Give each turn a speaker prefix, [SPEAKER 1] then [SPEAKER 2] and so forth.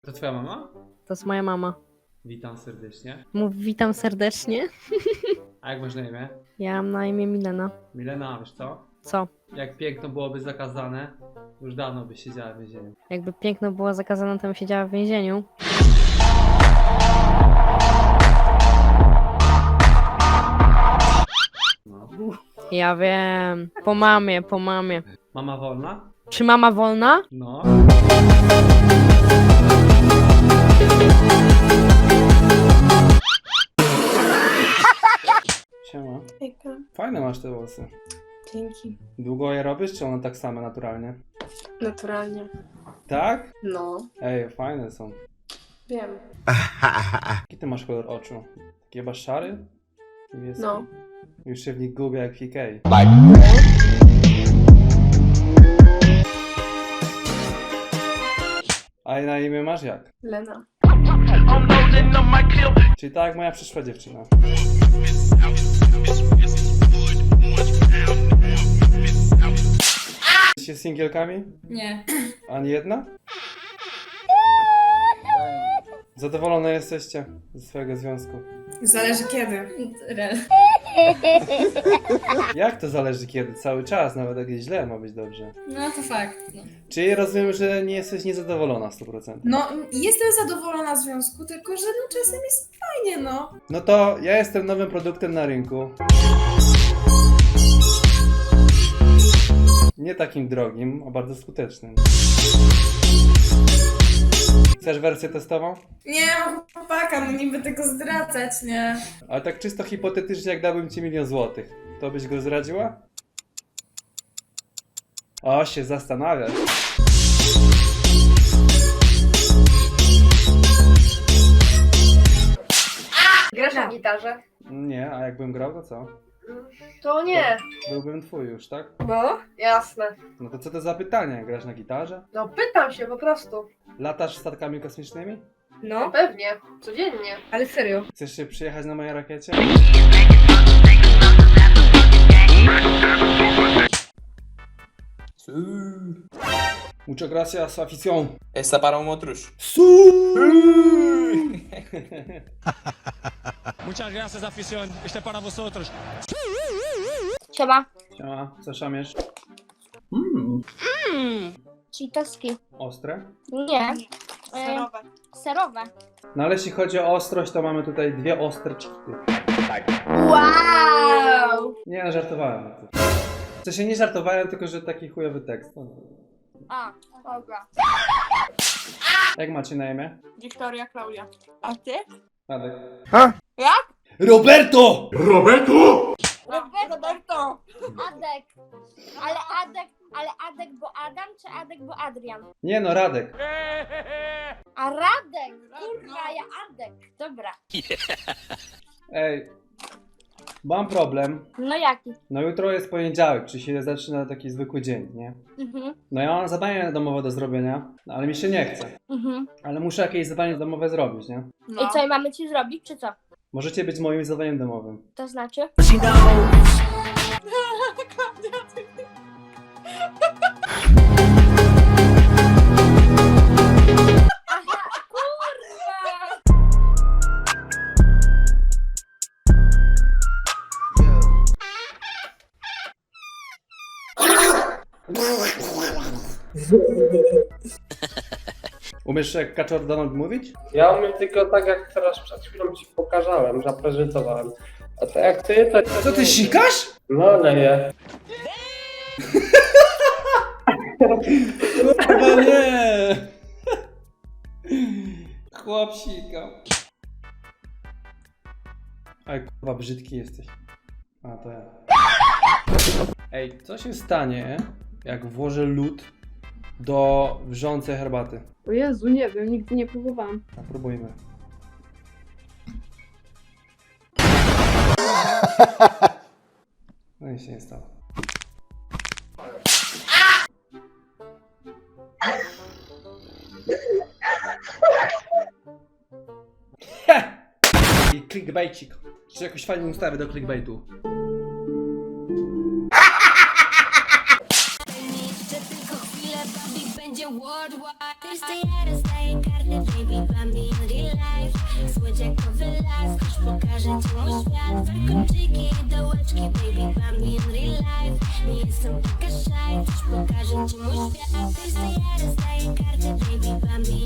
[SPEAKER 1] To twoja mama?
[SPEAKER 2] To jest moja mama.
[SPEAKER 1] Witam serdecznie.
[SPEAKER 2] Mów witam serdecznie.
[SPEAKER 1] A jak masz na imię?
[SPEAKER 2] Ja mam na imię Milena.
[SPEAKER 1] Milena, wiesz co?
[SPEAKER 2] Co?
[SPEAKER 1] Jak piękno byłoby zakazane, już dawno byś siedziała w więzieniu.
[SPEAKER 2] Jakby piękno było zakazane, to bym siedziała w więzieniu.
[SPEAKER 1] No.
[SPEAKER 2] Ja wiem. Po mamie, po mamie.
[SPEAKER 1] Mama wolna?
[SPEAKER 2] Czy mama wolna?
[SPEAKER 1] No. Siema.
[SPEAKER 3] Hejka.
[SPEAKER 1] Fajne masz te włosy.
[SPEAKER 3] Dzięki.
[SPEAKER 1] Długo je robisz, czy one tak same naturalnie?
[SPEAKER 3] Naturalnie.
[SPEAKER 1] Tak?
[SPEAKER 3] No,
[SPEAKER 1] Ej, fajne są.
[SPEAKER 3] wiem.
[SPEAKER 1] Jaki ty masz kolor oczu? Taki chyba szary? Niebieski?
[SPEAKER 3] No.
[SPEAKER 1] Już się w nich gubię jak PK. A na imię masz jak?
[SPEAKER 3] Lena.
[SPEAKER 1] Czyli tak jak moja przyszła dziewczyna. Jesteście singielkami?
[SPEAKER 4] Nie.
[SPEAKER 1] Ani jedna? Zadowolone jesteście ze swojego związku?
[SPEAKER 4] Zależy kiedy. Rel.
[SPEAKER 1] Jak to zależy kiedy? Cały czas, nawet jak jest źle, ma być dobrze.
[SPEAKER 4] No to fakt. No.
[SPEAKER 1] Czyli rozumiem, że nie jesteś niezadowolona 100%.
[SPEAKER 4] No, jestem zadowolona z związku, tylko że no, czasem jest fajnie, no.
[SPEAKER 1] No to ja jestem nowym produktem na rynku. Nie takim drogim, a bardzo skutecznym. Chcesz wersję testową?
[SPEAKER 4] Nie, mam chłopaka, no niby tego zdradzać, nie?
[SPEAKER 1] Ale tak czysto hipotetycznie, jak dałbym ci 1 000 000 złotych, to byś go zdradziła? O, się zastanawiasz.
[SPEAKER 3] Grasz na gitarze?
[SPEAKER 1] Nie, a jakbym grał, to co?
[SPEAKER 3] To nie.
[SPEAKER 1] Byłbym twój już, tak?
[SPEAKER 3] No, jasne.
[SPEAKER 1] No to co to za pytanie? Grasz na gitarze?
[SPEAKER 3] No pytam się po prostu.
[SPEAKER 1] Latasz statkami kosmicznymi?
[SPEAKER 3] No pewnie, codziennie.
[SPEAKER 2] Ale serio.
[SPEAKER 1] Chcesz się przyjechać na mojej rakiecie? Muchas gracias, afición.
[SPEAKER 5] Esta para um outros.
[SPEAKER 6] Muchas gracias, afición. Este para vosotros.
[SPEAKER 7] Siema.
[SPEAKER 1] Siema, co szamiesz?
[SPEAKER 7] Cheetoski.
[SPEAKER 1] Ostre?
[SPEAKER 7] Nie. Serowe.
[SPEAKER 1] No ale jeśli chodzi o ostrość, to mamy tutaj 2 ostre cheaty.
[SPEAKER 7] Wow!
[SPEAKER 1] Nie, no, żartowałem. W sensie nie żartowałem, tylko że taki chujowy tekst.
[SPEAKER 7] A, dobra.
[SPEAKER 1] Jak macie na imię?
[SPEAKER 3] Wiktoria, Klaudia. A ty?
[SPEAKER 1] Radek.
[SPEAKER 7] Jak?
[SPEAKER 1] Roberto!
[SPEAKER 7] Roberto. Adek. Ale Adek bo Adam, czy Adek bo Adrian?
[SPEAKER 1] Nie no, Radek.
[SPEAKER 7] A Radek! Kurwa, ja Adek. Dobra.
[SPEAKER 1] Ej, mam problem.
[SPEAKER 7] No jaki?
[SPEAKER 1] No jutro jest poniedziałek, czyli się zaczyna taki zwykły dzień, nie? No ja mam zadanie domowe do zrobienia, no, ale mi się nie chce. Ale muszę jakieś zadanie domowe zrobić, nie?
[SPEAKER 7] I co, i mamy ci zrobić, czy co?
[SPEAKER 1] Możecie być moim zadaniem domowym.
[SPEAKER 7] To znaczy? Aha, kurwa!
[SPEAKER 1] Umiesz jak Kaczor Donald mówić?
[SPEAKER 8] Ja umiem tylko tak, jak teraz przed chwilą ci pokazałem, zaprezentowałem. A to jak ty, to...
[SPEAKER 1] Co ty sikasz?
[SPEAKER 8] No, leję.
[SPEAKER 1] Chyba nie! Chłop sika. Ej, kurwa, brzydki jesteś. A, to ja. Ej, co się stanie, jak włożę lód do wrzącej herbaty?
[SPEAKER 9] O Jezu, nie wiem, nigdy nie próbowałam.
[SPEAKER 1] A próbujmy. No i się nie stało. I clickbaitcik. Czy jakoś fajną ustawę do clickbaitu?
[SPEAKER 10] Że tylko chwilę, baby, będzie worldwide. Ty stay at a stay, karty, baby.
[SPEAKER 5] pokażę ci mój świat. Trójkąciki i dołeczki, baby, Bambi in real life. Nie jestem taka shy, dziś pokażę ci mój świat. Ty staję karty, baby, Bambi